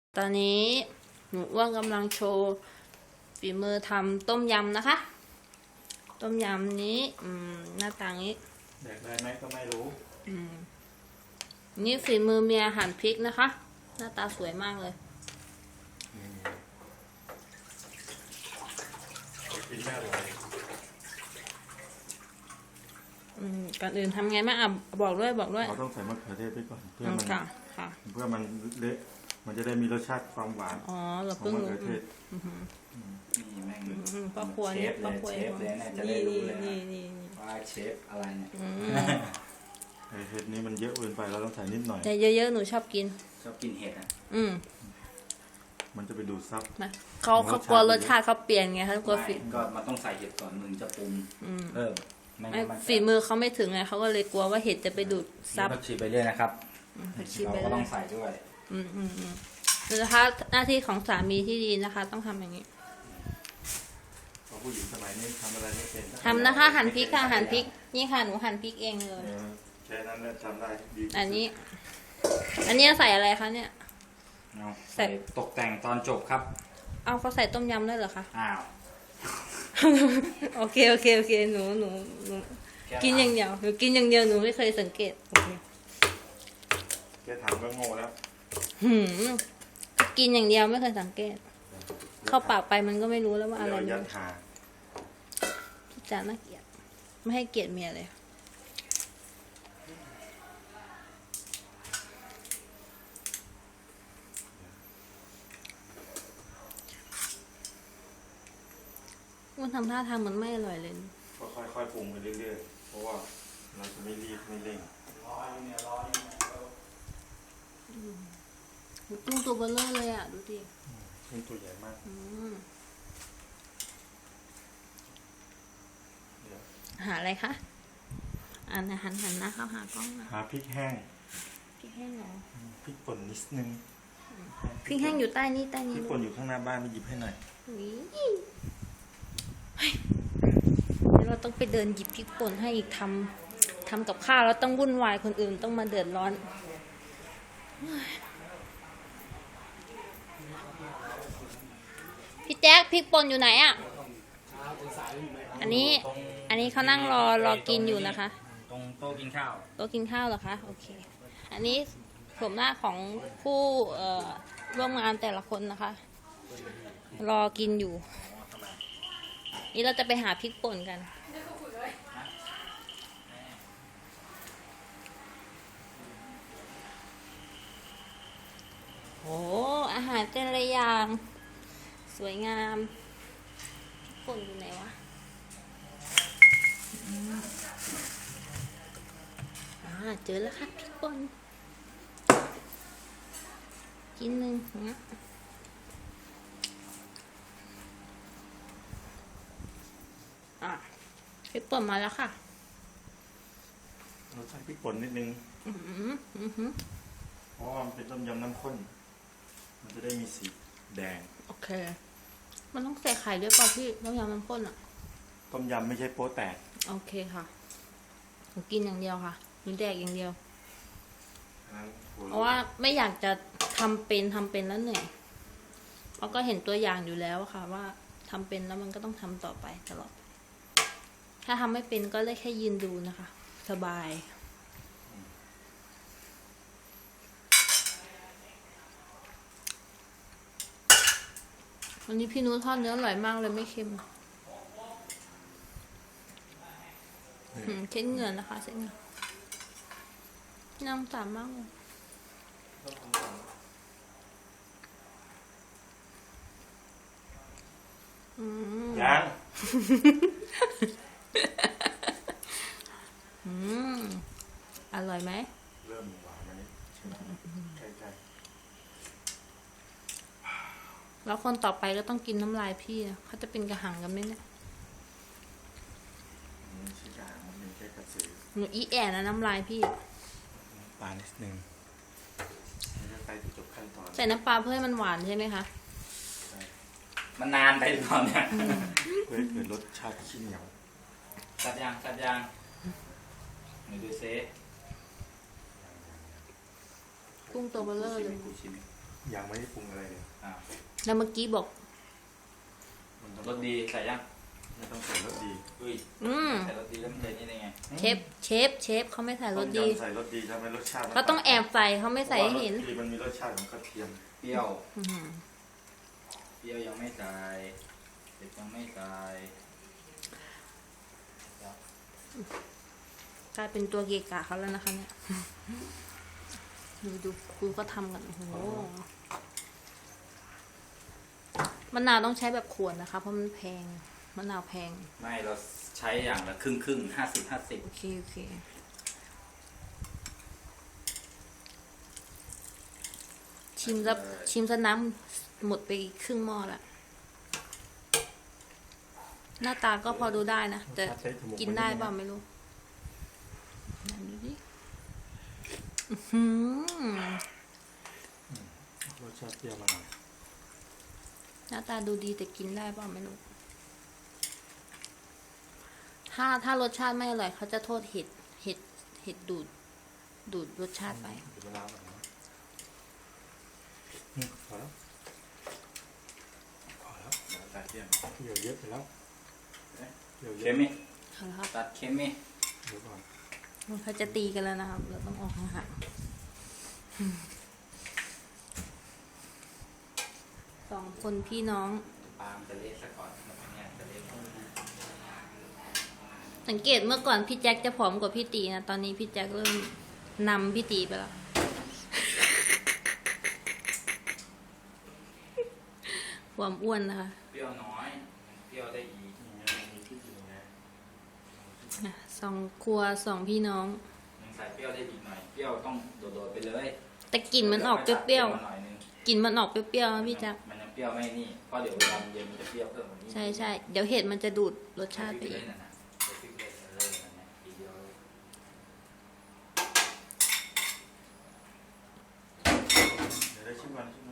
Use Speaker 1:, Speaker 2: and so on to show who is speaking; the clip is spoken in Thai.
Speaker 1: ตอนนี้หนูอ้วนกำลังโชว์ฝีมือทำต้มยำนะคะ ต้มยำนี้หน้าตานี้
Speaker 2: แดกได้ไหมก็ไม่รู้
Speaker 1: นี่ฝีมือเมียหั่นพริกนะคะ หน้าตาสวยมากเลย
Speaker 2: กินไม่อร่อย
Speaker 1: ก่อนอื่นทำไงบ้างบอกด้วย
Speaker 2: เราต้องใส่มะเขือเทศไปก่อนเพื่อมันเพื่อมันเละมันจะได้มีรสชาติความหวาน
Speaker 1: เรา
Speaker 2: ของมะเขือเทศ
Speaker 3: นี่แม่ง
Speaker 1: พ่อครัวนี่พ่อครัว
Speaker 3: เลยนะจะได้รู้เลยว่าเชฟอะไรเนี่ย
Speaker 2: เห็ดนี้มันเยอะเกินไปเราต้องใส่นิดหน่อย
Speaker 1: แต่เยอะๆหนูชอบกิน
Speaker 3: เห็ดอ่ะ
Speaker 2: มันจะไปดูดซับ
Speaker 1: เขากลัวรสชาติเขาเปลี่ยนไงเขากลัวฝี
Speaker 3: ก็มันต้องใส่เห็ดก่อนมึงจะปรุง
Speaker 1: ฝีมือเขาไม่ถึงไงเขาก็เลยกลัวว่าเห็ดจะไปดูดซับ
Speaker 3: ผักชีไปเรื่อยนะครับเราก็ต้องใส่ด้วย
Speaker 1: นะคะหน้าที่ของสามีที่ดีนะคะ ต้องทำอย่างนี้
Speaker 2: ผู้หญิงสมัยนี้ทำอะไรไม่เป็น
Speaker 1: ทำนะคะหั่นพริกค่ะหั่นพริกนี่ค่ะหนูหั่นพริกเองเลย
Speaker 2: แค่นั้นแหละทำได้ดี
Speaker 1: อันนี้ใส่อะไรคะเนี่ย
Speaker 3: ใส่ตกแต่งตอนจบครับ
Speaker 1: เอาเขาใส่ต้มยำได้เหรอคะ
Speaker 3: อ้าว
Speaker 1: โอเคหนูกินอย่างเดียวหนูกินอย่างเดียวหนูไม่เคยสังเกต
Speaker 2: แค่ถามก็โง่แล้ว
Speaker 1: กินอย่างเดียวไม่เคยสังเกตเข้าปากไปมันก็ไม่รู้แล้วว่าอะไร
Speaker 2: ยัดหา
Speaker 1: พี่จ๋าน่าเกลียดไม่ให้เกียรติเมียเลยมันทำท่าทางมันไม่อร่อยเลย
Speaker 2: ก็ค่อยๆปรุงไปเรื่อยๆเพราะว่าเราจะไม่รีบไม่เร่ง
Speaker 1: ตุ้งตัวเบลเลอร์เลยอ่ะดูดิ
Speaker 2: ตุ้งตัวใหญ่มาก
Speaker 1: หาอะไรคะหันหน้าเข้าหากล้อง
Speaker 2: หาพริกแห้ง
Speaker 1: เหรอ
Speaker 2: พริกป่นนิดนึง
Speaker 1: พริกแห้งอยู่ใต้นี้
Speaker 2: พริกป่นอยู่ข้างหน้าบ้านไปหยิบให้หน่อย
Speaker 1: เราต้องไปเดินหยิบพริกป่นให้อีกทำกับข้าวแล้วต้องวุ่นวายคนอื่นต้องมาเดือดร้อนพี่แจ๊คพริกป่นอยู่ไหนอ่ะอันนี้เขานั่งรอกินอยู่นะคะ
Speaker 3: ตรงโต๊ะกินข้าว
Speaker 1: เหรอคะโอเคอันนี้โฉมหน้าของผู้ร่วมงานแต่ละคนนะคะรอกินอยู่นี่เราจะไปหาพริกป่นกันโอ้อาหารแต่ละอย่างสวยงามพริกป่นอยู่ไหนวะเจอแล้วค่ะพริกป่นกินหนึ่งพริกป่นมาแล้วค่ะ
Speaker 2: เราใส่พริกป่นนิดนึงเพราะว่ามันเป็นต้มยำน้ำข้นมันจะได้มีสีแดง
Speaker 1: โอเคมันต้องใส่ไข่ด้วยป่ะพี่ต้มยำน้ำข้นอ่ะ
Speaker 2: ต้มยำไม่ใช่โป๊แตก
Speaker 1: โอเคค่ะหนูกินอย่างเดียวค่ะหนูแดกอย่างเดียวเพราะว่าไม่อยากจะทำเป็นแล้วเหนื่อยเราก็เห็นตัวอย่างอยู่แล้วค่ะว่าทำเป็นแล้วมันก็ต้องทำต่อไปตลอดถ้าทำไม่เป็นก็เลยแค่ยืนดูนะคะสบายวันนี้พี่นุ้ทอดเนื้ออร่อยมากเลยไม่เค็มเช็ดเหงื่อนะคะเช็ดเหงื่อน้ำตามากเลย
Speaker 2: ยัง
Speaker 1: อร่อยไหม
Speaker 2: เริ่มหวานไหมใช่
Speaker 1: แล้วคนต่อไปก็ต้องกินน้ำลายพี่นะเขาจะเป็นกระหังกันไหมเนี่ยหนูอีแอนนะน้ำลายพี่
Speaker 2: ปลานิดนึงไปจบขั้นตอน
Speaker 1: ใส่น้ำปลาเพื่อให้มันหวานใช่ไหมคะ
Speaker 3: มันนานไปหรือเปล่าเนี่ย
Speaker 2: เพื่อให้เกิดรสชาติขี้เหนียว
Speaker 3: กัดยางไหนดูเซ่
Speaker 1: กุ้งตัวเบลเลอร์เลย
Speaker 2: ยังไม่ได้ปรุงอะไรเลย
Speaker 3: อ่า
Speaker 1: แล้วเมื่อกี้บอก
Speaker 2: มันต้อง
Speaker 3: รสดีใส่ยัง
Speaker 2: ไม่ต้องใส่รสดี
Speaker 3: อุ้ย ใส่รสดีแล้วมันจะนี่ได้ไง
Speaker 1: เชฟเขาไม่ใส่ร
Speaker 2: ต้
Speaker 1: ส
Speaker 2: ม
Speaker 1: ดี
Speaker 2: ยำใส่รสดีทำให้รสชาติมัน
Speaker 1: เขาต้องแอบใส่เขาไม่ใส่ให้เห็น
Speaker 2: พราะว่ารสดีมันมีรสชาติของกระเทียม
Speaker 3: เปรี้ยว
Speaker 1: อื้อหือ
Speaker 3: เปรี้ยวยังไม่ใส่เผ็ดยังไม่ใส่
Speaker 1: กลายเป็นตัวเกะกะเขาแล้วนะคะเนี่ยดูก็ทำกันโอ้โหมะนาวต้องใช้แบบขวดนะคะ เพราะมันแพงมะนาวแพง
Speaker 3: ไม่เราใช้อย่างละครึ่ง 50
Speaker 1: โอเคชิมซะน้ำหมดไปครึ่งหม้อละหน้าตาก็พอดูได้นะแต่กินได้เปล่าไม่รู้ไหนดูดิอื้อหือ
Speaker 2: รสชาติเปรี้ยวมาหน่อย
Speaker 1: หน้าตาดูดีแต่กินได้เปล่าไม่รู้ถ้ารสชาติไม่อร่อยเขาจะโทษเห็ดดูดรสชาติไป
Speaker 2: เดี๋ยวมะนาวหน่อยนะพอแล้ว
Speaker 3: ตัดเค็ม
Speaker 2: เดี๋ยวเยอะไปแล้วเดี๋ยวเย
Speaker 3: เค็
Speaker 2: อะ
Speaker 3: มไหม
Speaker 1: เอาละครับ
Speaker 3: ตัดเค็มไหม
Speaker 2: เดี๋ยวก่อน
Speaker 1: เขาจะตีกันแล้วนะครับ เราต้องออกห่างๆสองคนพี่น้อง
Speaker 3: ปาล์มจะเละซะก่อนแล้วเนี่ยจะเละหมด
Speaker 1: สังเกตเมื่อก่อนพี่แจ็คจะผอมกว่าพี่ตีนะตอนนี้พี่แจ็คเริ่มนำพี่ตีไปแล้ว ความอ้วนนะคะ
Speaker 3: เปรี้ยวน้อยเปรี้ยวได้อีก
Speaker 2: มีที่อยู่นะ
Speaker 1: สองครัวสองพี่น้อง
Speaker 3: ยังใส่เปรี้ยวได้อีกหน่อยเปรี้ยวต้องโดดๆไปเลย
Speaker 1: แต่กลิ่นมันออกเปรี้ยว
Speaker 3: หน่อยนึง
Speaker 1: ๆกลิ่นมันออกเปรี้ยวๆนะพี่แจ็ค
Speaker 3: มันยังเปรี้ยวไม่นี่เพราะเดี๋ยวเวลามันเย็นมันจะเปรี้ยวเพิ่มกว่านี้
Speaker 1: ใช่เดี๋ยวเห็ดมันจะดูดรสชาติไป
Speaker 3: ไป
Speaker 1: อีก
Speaker 3: นั่นน่ะใส่พริกเลยนั่นน่ะทีเดียวเลย
Speaker 2: เดี๋ยวได้ชิมก่อนชิม